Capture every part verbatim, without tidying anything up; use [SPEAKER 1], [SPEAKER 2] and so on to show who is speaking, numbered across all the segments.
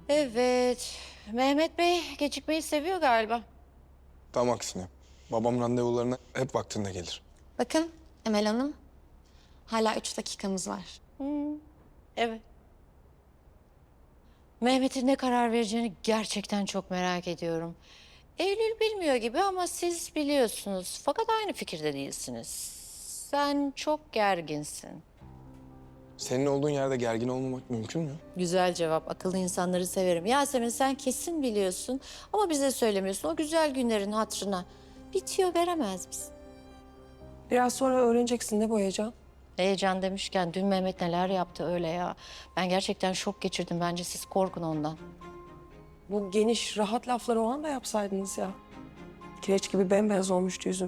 [SPEAKER 1] Evet. Mehmet Bey gecikmeyi seviyor galiba.
[SPEAKER 2] Tam aksine. Babam randevularına hep vaktinde gelir.
[SPEAKER 3] Bakın Emel Hanım, hala üç dakikamız var.
[SPEAKER 1] Evet. Mehmet'in ne karar vereceğini gerçekten çok merak ediyorum. Eylül bilmiyor gibi ama siz biliyorsunuz. Fakat aynı fikirde değilsiniz. Sen çok gerginsin.
[SPEAKER 2] Senin olduğun yerde gergin olmamak mümkün mü?
[SPEAKER 1] Güzel cevap. Akıllı insanları severim. Yasemin sen kesin biliyorsun ama bize söylemiyorsun. O güzel günlerin hatırına bir tüyo veremez misin?
[SPEAKER 4] Biraz sonra öğreneceksin ne bu heyecan?
[SPEAKER 1] Heyecan demişken dün Mehmet neler yaptı öyle ya. Ben gerçekten şok geçirdim. Bence siz korkun ondan.
[SPEAKER 4] Bu geniş, rahat lafları o anda yapsaydınız ya. Kireç gibi bembeyaz olmuştu yüzüm.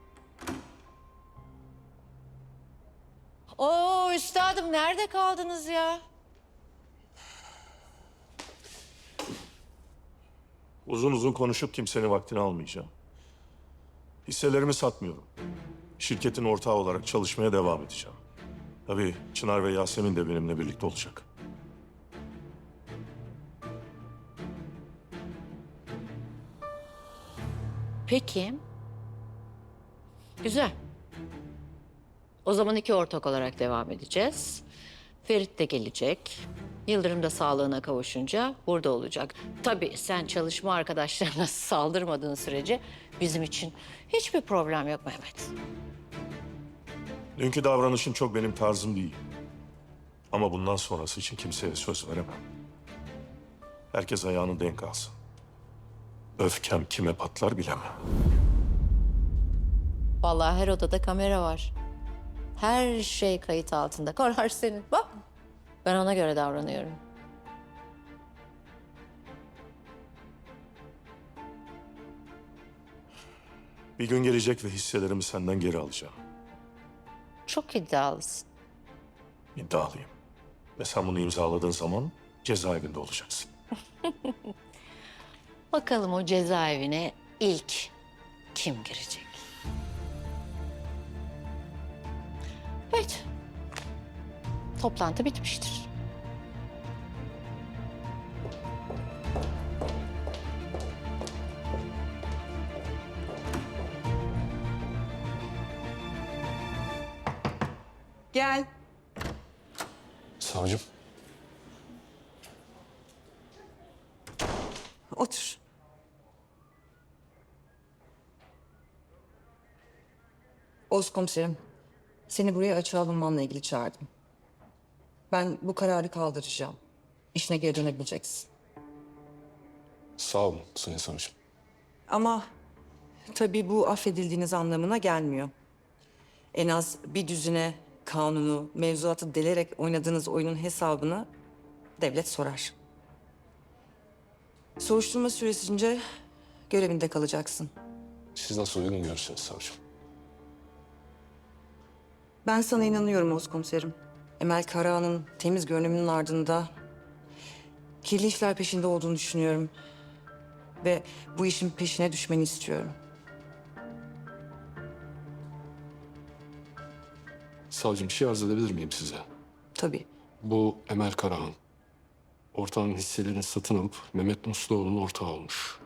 [SPEAKER 1] Oo üstadım nerede kaldınız ya?
[SPEAKER 5] Uzun uzun konuşup kimsenin vaktini almayacağım. Hisselerimi satmıyorum. Şirketin ortağı olarak çalışmaya devam edeceğim. Tabii Çınar ve Yasemin de benimle birlikte olacak.
[SPEAKER 1] Peki. Güzel. O zaman iki ortak olarak devam edeceğiz. Ferit de gelecek. Yıldırım da sağlığına kavuşunca burada olacak. Tabii sen çalışma arkadaşlarına saldırmadığın sürece bizim için hiçbir problem yok Mehmet.
[SPEAKER 5] Dünkü davranışın çok benim tarzım değil. Ama bundan sonrası için kimseye söz veremem. Herkes ayağını denk alsın. Öfkem kime patlar bilemem.
[SPEAKER 1] Vallahi her odada kamera var. Her şey kayıt altında. Karar senin. Bak. Ben ona göre davranıyorum.
[SPEAKER 5] Bir gün gelecek ve hisselerimi senden geri alacağım.
[SPEAKER 1] Çok iddialısın.
[SPEAKER 5] İddialıyım. Ve sen bunu imzaladığın zaman cezaevinde olacaksın.
[SPEAKER 1] Bakalım o cezaevine ilk kim girecek? Evet. Toplantı bitmiştir.
[SPEAKER 4] Gel.
[SPEAKER 2] Savcım.
[SPEAKER 4] Otur.
[SPEAKER 6] Oğuz komiserim, seni buraya açığa alınmanla ilgili çağırdım. Ben bu kararı kaldıracağım. İşine geri dönebileceksin.
[SPEAKER 2] Sağ olun Sayın Savcım.
[SPEAKER 6] Ama tabii bu affedildiğiniz anlamına gelmiyor. En az bir düzine kanunu, mevzuatı delerek oynadığınız oyunun hesabını devlet sorar. Soruşturma süresince görevinde kalacaksın.
[SPEAKER 2] Siz nasıl uygun görürsünüz savcım?
[SPEAKER 6] Ben sana inanıyorum Oğuz komiserim. Emel Karahan'ın temiz görünümünün ardında kirli işler peşinde olduğunu düşünüyorum. Ve bu işin peşine düşmeni istiyorum.
[SPEAKER 7] Savcım bir şey arz edebilir miyim size?
[SPEAKER 6] Tabii.
[SPEAKER 7] Bu Emel Karahan. Ortağın hisselerini satın alıp Mehmet Musluoğlu'nun ortağı olmuş.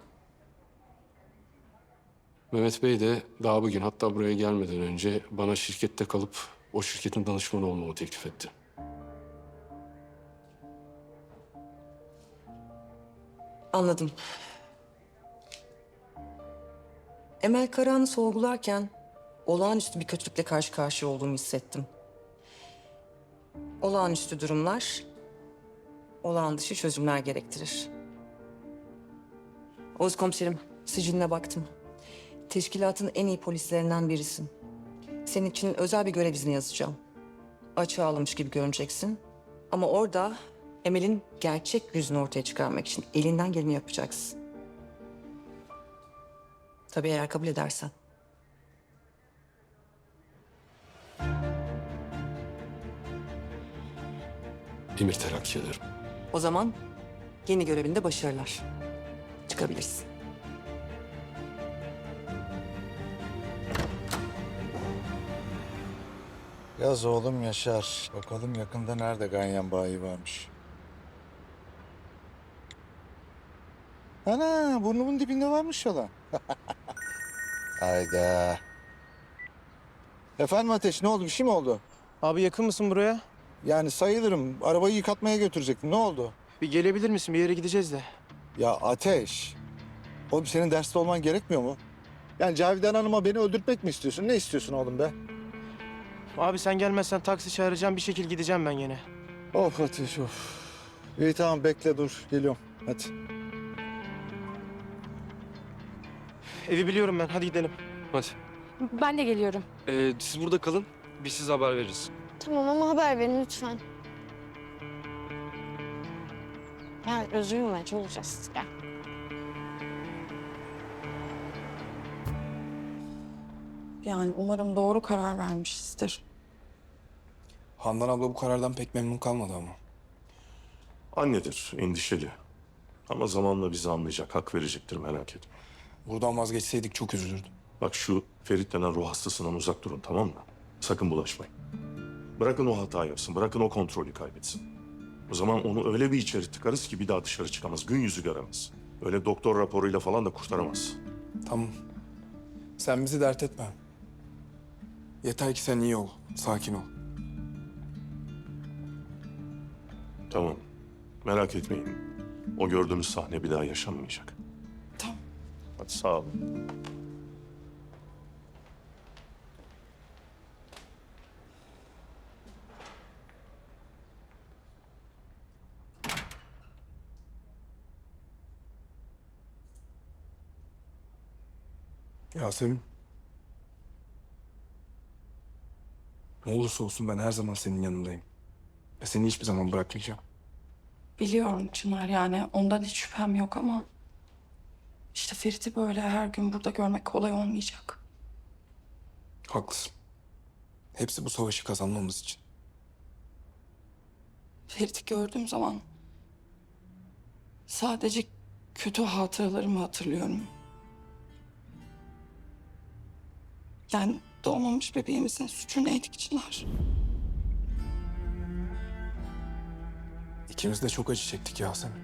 [SPEAKER 7] Mehmet Bey de daha bugün hatta buraya gelmeden önce bana şirkette kalıp o şirketin danışmanı olmamı teklif etti.
[SPEAKER 6] Anladım. Emel Karahan'ı sorgularken olağanüstü bir kötülükle karşı karşıya olduğumu hissettim. Olağanüstü durumlar, olağan dışı çözümler gerektirir. Oğuz komiserim, siciline baktım. Teşkilatın en iyi polislerinden birisin. Senin için özel bir görev izni yazacağım. Açığa alınmış gibi görüneceksin. Ama orada Emel'in gerçek yüzünü ortaya çıkarmak için elinden geleni yapacaksın. Tabii eğer kabul edersen.
[SPEAKER 7] Emir terakki ederim.
[SPEAKER 6] O zaman yeni görevinde başarılar. Çıkabilirsin.
[SPEAKER 8] Yaz oğlum Yaşar. Bakalım yakında nerede ganyan bayi varmış. Ana burnumun dibinde varmış yalan. Hayda. Efendim Ateş ne oldu bir şey mi oldu?
[SPEAKER 9] Abi yakın mısın buraya?
[SPEAKER 8] Yani sayılırım. Arabayı yıkatmaya götürecektim. Ne oldu?
[SPEAKER 9] Bir gelebilir misin? Bir yere gideceğiz de.
[SPEAKER 8] Ya Ateş. Oğlum senin derste olman gerekmiyor mu? Yani Cavidan Hanım'a beni öldürtmek mi istiyorsun? Ne istiyorsun oğlum be?
[SPEAKER 9] Abi sen gelmezsen taksi çağıracağım. Bir şekil gideceğim ben yine.
[SPEAKER 8] Of Ateş of. İyi tamam bekle dur. Geliyorum. Hadi.
[SPEAKER 9] Evi biliyorum ben. Hadi gidelim.
[SPEAKER 7] Hadi.
[SPEAKER 10] Ben de geliyorum.
[SPEAKER 7] Ee, siz burada kalın. Biz size haber veririz.
[SPEAKER 3] Tamam ama haber verin lütfen. Ya üzülme çözeceğiz. Gel.
[SPEAKER 4] Yani umarım doğru karar vermişizdir.
[SPEAKER 2] Handan abla bu karardan pek memnun kalmadı ama.
[SPEAKER 5] Annedir, endişeli. Ama zamanla bizi anlayacak, hak verecektir, merak etme.
[SPEAKER 2] Buradan vazgeçseydik çok üzülürdüm.
[SPEAKER 5] Bak şu Ferit denen ruh hastasından uzak durun, tamam mı? Sakın bulaşmayın. Bırakın o hata yapsın, bırakın o kontrolü kaybetsin. O zaman onu öyle bir içeri tıkarız ki bir daha dışarı çıkamaz, gün yüzü göremez. Öyle doktor raporuyla falan da kurtaramaz.
[SPEAKER 2] Tamam. Sen bizi dert etme. Yeter ki sen iyi ol, sakin ol.
[SPEAKER 5] Tamam, merak etmeyin. O gördüğünüz sahne bir daha yaşanmayacak.
[SPEAKER 4] Tamam.
[SPEAKER 5] Hadi sağ olun.
[SPEAKER 2] Yasemin. Ne olursa olsun ben her zaman senin yanındayım. Ve seni hiçbir zaman bırakmayacağım.
[SPEAKER 4] Biliyorum Çınar yani ondan hiç şüphem yok ama... ...işte Ferit'i böyle her gün burada görmek kolay olmayacak.
[SPEAKER 2] Haklısın. Hepsi bu savaşı kazanmamız için.
[SPEAKER 4] Ferit'i gördüğüm zaman... ...sadece kötü hatıralarımı hatırlıyorum. Yani doğmamış bebeğimizin suçu neydi ki Çınar?
[SPEAKER 2] İkimiz de çok acı çektik Yasemin.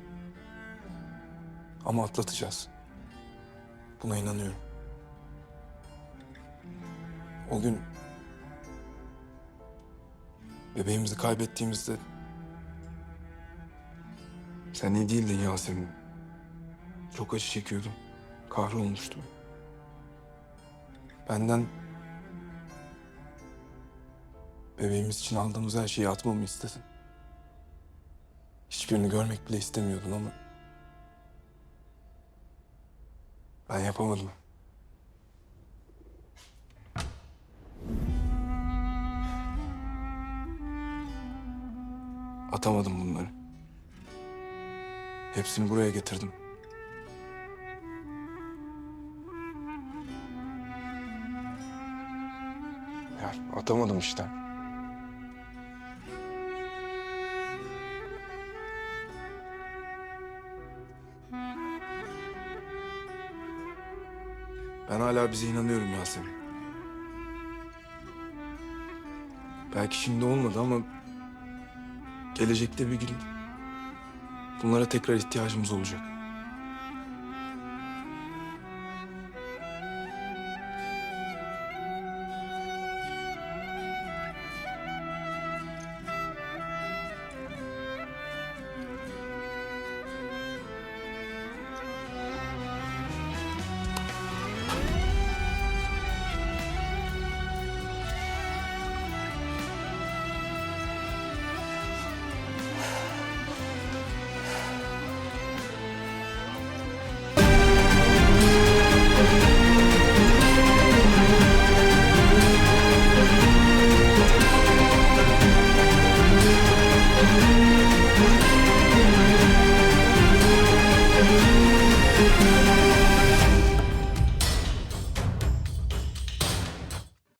[SPEAKER 2] Ama atlatacağız. Buna inanıyorum. O gün bebeğimizi kaybettiğimizde sen iyi değildin Yasemin. Çok acı çekiyordum. Kahrolmuştum. Benden bebeğimiz için aldığımız her şeyi atmamı istedin. Hiçbirini görmek bile istemiyordun ama ben yapamadım. Atamadım bunları. Hepsini buraya getirdim. Ya atamadım işte. Ben hala bize inanıyorum Yasemin. Belki şimdi olmadı ama gelecekte bir gün bunlara tekrar ihtiyacımız olacak.
[SPEAKER 11] Thank you.